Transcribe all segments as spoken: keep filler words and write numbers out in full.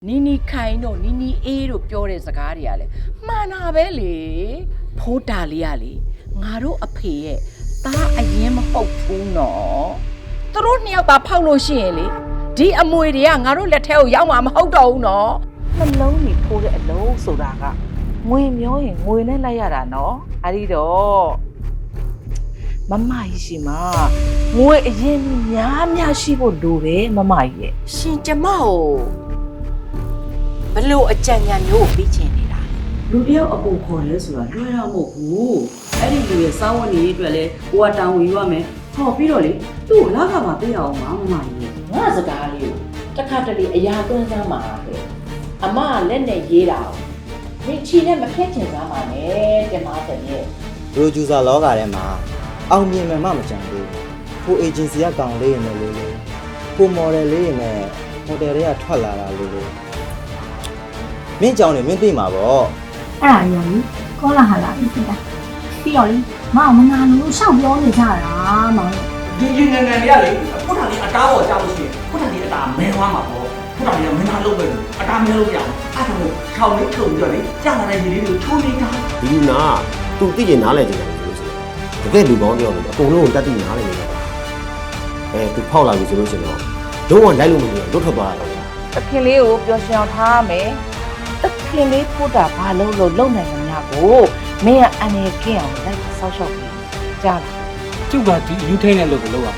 နီနီခိုင်တို့နီနီအေးတို့ပြောတဲ့စကားတွေကလေမှန်တာပဲလေဖိုးတာလေးကလေငါတို့အဖေရဲ့သားအရင်မဟုတ်ဘူးနော်သူတို့နှစ်ယောက်သာဖောက်လို့ရှိရင်လေဒီအမွေတွေကငါတို့လက်ထဲကိုရောက်မှာမဟုတ်တော့ဘူးနော်နှလုံးကြီးထိုးတဲ့အလုံးဆိုတာကငွေမျောရင်ငွေနဲ့လိုက်ရတာနော်အဲ့ဒီတော့မမကြီးရှိမှာငွေအရင်များများရှိဖို့လိုတယ်မမကြီးရဲ့ရှင်ကျမကိုဘလို့အကြံဉာဏ်မျိုးကိုပြီးချင်နေတာလူတယောက်အပူခေါ်လဲဆိုတာလွယ်တော့မဟုတ်ဘူးအဲ့ဒီလူရဲ့စားဝတ်နေရေးအတွက်လဲကိုကတောင်းဝင်ရမယ်ဟောပြီးတော့လေသူ့ကိုလာခမှာပေးရအောင်မမကြီးငါစကားလေးကိုတစ်ခါတလေအရာသွင်းစားမှာပဲအမကလက်နဲ့ရေးတာမိချီနဲ့မဖြတ်ချင်စားမှာနဲ့တင်ပါတဲ့ရဲ့ပရိုဂျူဆာလောကထဲမှာအောင်မြင်မှမှမကြံဘူးကိုအေဂျင်စီကကောင်လေးရင်လည်းလို့ကိုမော်ဒယ်လေးရင်လည်းဟိုတယ်တွေကထွက်လာတာလို့လို့မင်းကြောင်နေမင်းသိမှာပေါ့အဲ့ဒါရောကောလာဟာလာပြီးတာပြီးတော့လေမအောင်မနာလို့ရှောက်ပြောနေကြတာမောင်ဒီဒီငငယ်လေးကလေခုထန်လေးအတားပေါ်ကြောက်လို့ရှိရင်ခုထန်လေးအတားမဲသွားမှာပေါ့ခုထန်လေးကမင်းသားလုပ်ပဲအတားမဲလို့ပြအောင်အဲ့ဒါကိုထောင်လေးထုံပြီးတော့လေကြာလာတဲ့ရေလေးကိုချိုးနေတာဒီလူနာသူသိကျင်နားလဲကြတယ်လို့ဆိုတကယ်လူကောင်းတယောက်လေအကုန်လုံးကိုတတ်သိနားလဲနေတာအဲသူဖောက်လာပြီဆိုလို့ရှိရင်တော့လုံးဝလိုက်လို့မရဘူးလွတ်ထွက်သွားတာတခင်လေးကိုပျော်ရွှင်အောင်ထားရမယ်တခင်လေးပို့တာဘာလို့လို့လုံနိုင်မှာကိုမင်းကအန်ရကင်းအောင်လိုက်ဆောက်ရှောက်ပြီးကြားလားကျုပ်ကဒီယူထိန်တဲ့လို့ကိုလုပ်ရ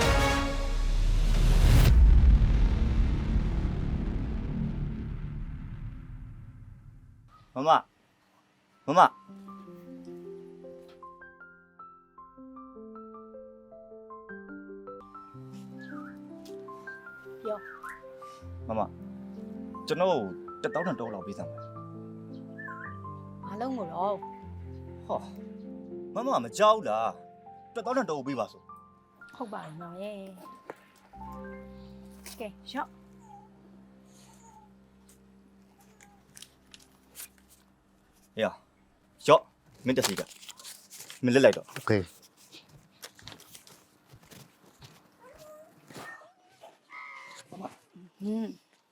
မှာမမမမပြောမမကျွန်တော်တက်တောင်းတန်တော့လောက်ပေးစမ်းပါမလုံးကိုတော့ဟောမမမကြောက်လားတက်တောင်းတန်တော့ပေးပါဆိုဟုတ်ပါရဲ့မောင်ရဲ့ကဲရော့ရရော့မင်းတက်စီကမင်းလက်လိုက်တော့โอเคဟင်း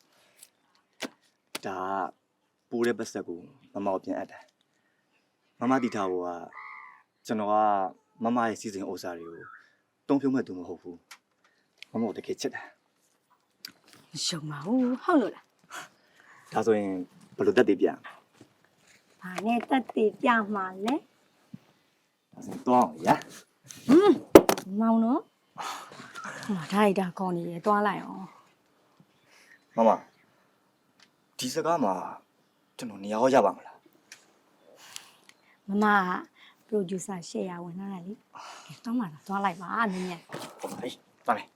ဒါပူတဲ့ပတ်သက်ကိုမမကိုပြန်အပ်တယ်မမတီထားဘောကကျွန်တော်ကမမရဲ့စီစဉ်ဥစ္စာတွေကိုတုံးဖြုံးမဲ့သူမဟုတ်ဘူးမမကိုတကယ်ချစ်တယ်ရှုံပါဘူးဟုတ်လို့လားဒါဆိုရင်ဘယ်လိုတက်တည်ပြန်ဘာနဲ့တက်တည်ပြမှာလဲဒါဆိုတော့ရဟင်းမောင်နော်ဟိုဒါရိုက်တာကောင်းနေရတွားလိုက်အောင်မမဒီစကားမှာကျွန်တော်နေရာရပါမလားမမကပရိုဂျူဆာရှယ်ယာဝင်လာတာလေတောင်းပါလားတွားလိုက်ပါနင်းရဲ့ဟုတ်ပါပြီတွားမယ်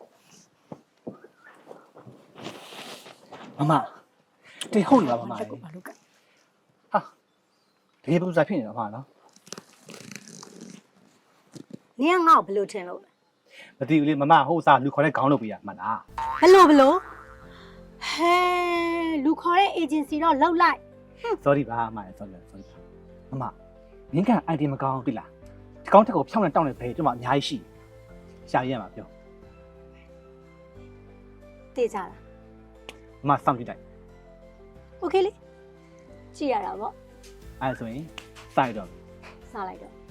မမတေဟုတ်လားမမဘာလို့ဘာလို့ကဟာတကယ်ပူဇာဖြစ်နေတာမနော်နင်းကငါ့ကိုဘယ်လိုထင်လို့လဲမသိဘူးလေမမဟိုစားလူခေါ်တဲ့ခေါင်းလုပ်ပေးရမှန်လားဘယ်လိုဘယ်လိုဟဲလူခေါ်တဲ့ agency တော့လောက်လိုက် sorry ပါမရ sorry sorry မမမင်းက ไอ ဒီ မကောင်းပြီလားဒီကောင်းတက်ကိုဖြောင်းနေတောင်းနေပဲကျွန်မအများကြီးရှိရှာရရမှာပြောတေးကြလားမမစောင့်ကြည့်လိုက် okay လေကြည့်ရတာပေါ့အဲဆိုရင်စိုက်တော့စားလိုက်တော့